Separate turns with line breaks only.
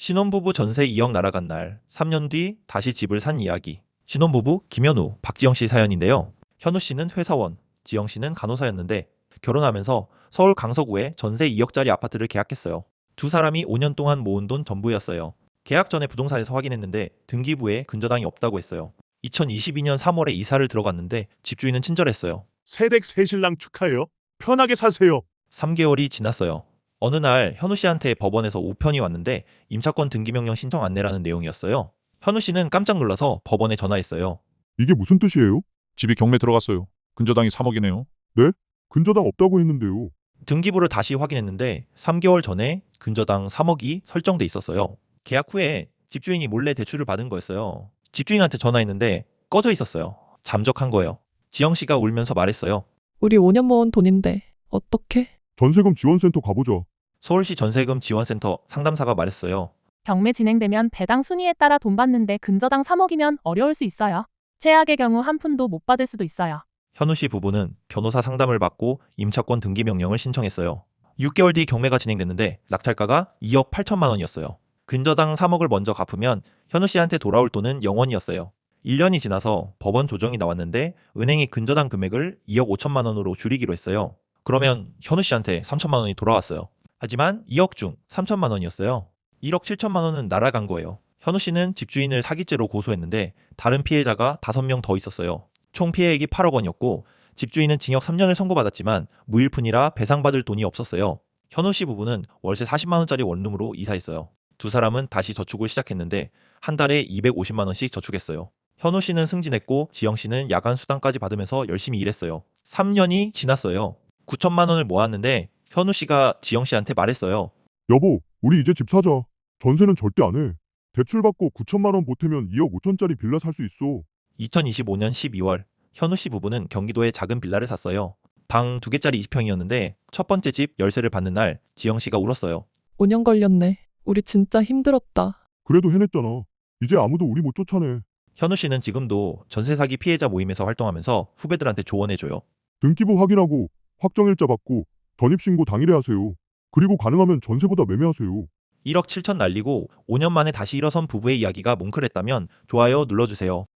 신혼부부 전세 2억 날아간 날, 3년 뒤 다시 집을 산 이야기. 신혼부부 김현우, 박지영 씨 사연인데요. 현우 씨는 회사원, 지영 씨는 간호사였는데 결혼하면서 서울 강서구에 전세 2억짜리 아파트를 계약했어요. 두 사람이 5년 동안 모은 돈 전부였어요. 계약 전에 부동산에서 확인했는데 등기부에 근저당이 없다고 했어요. 2022년 3월에 이사를 들어갔는데 집주인은 친절했어요.
새댁 새신랑 축하해요. 편하게 사세요.
3개월이 지났어요. 어느 날 현우 씨한테 법원에서 우편이 왔는데 임차권 등기명령 신청 안내라는 내용이었어요. 현우 씨는 깜짝 놀라서 법원에 전화했어요.
이게 무슨 뜻이에요?
집이 경매 들어갔어요. 근저당이 3억이네요.
근저당 없다고 했는데요.
등기부를 다시 확인했는데 3개월 전에 근저당 3억이 설정돼 있었어요. 계약 후에 집주인이 몰래 대출을 받은 거였어요. 집주인한테 전화했는데 꺼져 있었어요. 잠적한 거예요. 지영 씨가 울면서 말했어요.
우리 5년 모은 돈인데 어떡해?
전세금 지원센터 가보자.
서울시 전세금 지원센터 상담사가 말했어요.
경매 진행되면 배당 순위에 따라 돈 받는데 근저당 3억이면 어려울 수 있어요. 최악의 경우 한 푼도 못 받을 수도 있어요.
현우 씨 부부는 변호사 상담을 받고 임차권 등기 명령을 신청했어요. 6개월 뒤 경매가 진행됐는데 낙찰가가 2억 8천만 원이었어요. 근저당 3억을 먼저 갚으면 현우 씨한테 돌아올 돈은 0원이었어요. 1년이 지나서 법원 조정이 나왔는데 은행이 근저당 금액을 2억 5천만 원으로 줄이기로 했어요. 그러면 현우 씨한테 3천만 원이 돌아왔어요. 하지만 2억 중 3천만 원이었어요. 1억 7천만 원은 날아간 거예요. 현우 씨는 집주인을 사기죄로 고소했는데 다른 피해자가 5명 더 있었어요. 총 피해액이 8억 원이었고 집주인은 징역 3년을 선고받았지만 무일푼이라 배상받을 돈이 없었어요. 현우 씨 부부는 월세 40만 원짜리 원룸으로 이사했어요. 두 사람은 다시 저축을 시작했는데 한 달에 250만 원씩 저축했어요. 현우 씨는 승진했고 지영 씨는 야간 수당까지 받으면서 열심히 일했어요. 3년이 지났어요. 9천만 원을 모았는데 현우 씨가 지영 씨한테 말했어요.
여보, 우리 이제 집 사자. 전세는 절대 안 해. 대출 받고 9천만 원 보태면 2억 5천짜리 빌라 살 수 있어.
2025년 12월 현우 씨 부부는 경기도에 작은 빌라를 샀어요. 방 2개짜리 20평이었는데 첫 번째 집 열쇠를 받는 날 지영 씨가 울었어요.
5년 걸렸네. 우리 진짜 힘들었다.
그래도 해냈잖아. 이제 아무도 우리 못 쫓아내.
현우 씨는 지금도 전세 사기 피해자 모임에서 활동하면서 후배들한테 조언해줘요.
등기부 확인하고 확정일자 받고 전입신고 당일에 하세요. 그리고 가능하면 전세보다 매매하세요.
1억 7천 날리고 5년 만에 다시 일어선 부부의 이야기가 뭉클했다면 좋아요 눌러주세요.